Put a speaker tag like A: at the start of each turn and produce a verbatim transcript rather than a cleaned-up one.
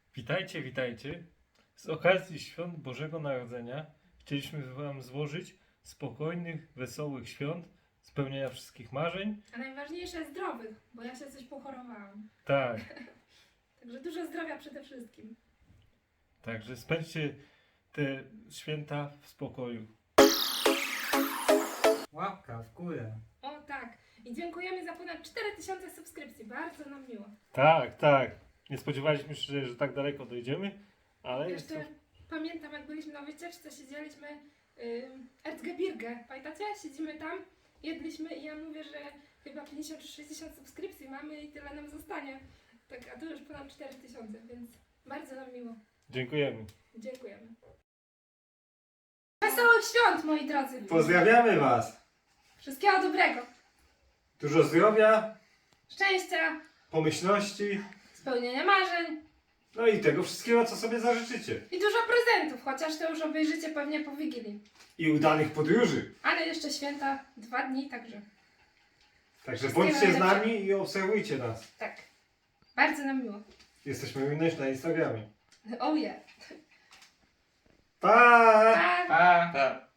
A: Witajcie, witajcie. Z okazji Świąt Bożego Narodzenia chcieliśmy Wam złożyć spokojnych, wesołych świąt, spełnienia wszystkich marzeń.
B: A najważniejsze zdrowych, bo ja się coś pochorowałam.
A: Tak,
B: Także dużo zdrowia przede wszystkim.
A: także spędźcie te święta w spokoju.
C: Łapka w górę.
B: O tak. I dziękujemy za ponad cztery tysiące subskrypcji. Bardzo nam miło.
A: Tak, tak. Nie spodziewaliśmy się, że tak daleko dojdziemy, ale jest to...
B: Jeszcze pamiętam, jak byliśmy na wycieczce, siedzieliśmy yy, Erzgebirge. Pamiętacie? Siedzimy tam, jedliśmy i ja mówię, że chyba pięćdziesiąt czy sześćdziesiąt subskrypcji mamy i tyle nam zostanie. Tak, a to już ponad cztery tysiące, więc bardzo nam miło.
A: Dziękujemy.
B: Dziękujemy. Wesołych świąt, moi drodzy!
C: Pozdrawiamy Was!
B: Wszystkiego dobrego!
C: Dużo zdrowia,
B: Szczęścia,
C: pomyślności,
B: spełnienia marzeń
C: no i tego wszystkiego, co sobie zażyczycie.
B: i dużo prezentów, chociaż to już obejrzycie pewnie po Wigilii.
C: I udanych podróży.
B: Ale jeszcze święta, dwa dni, także
C: Także
B: Wszystkiego
C: bądźcie z
B: najlepszego.
C: nami i obserwujcie nas.
B: tak. Bardzo nam miło.
C: Jesteśmy również na Instagramie.
B: Oh yeah.
C: Pa!
B: Pa!
D: Pa! Pa!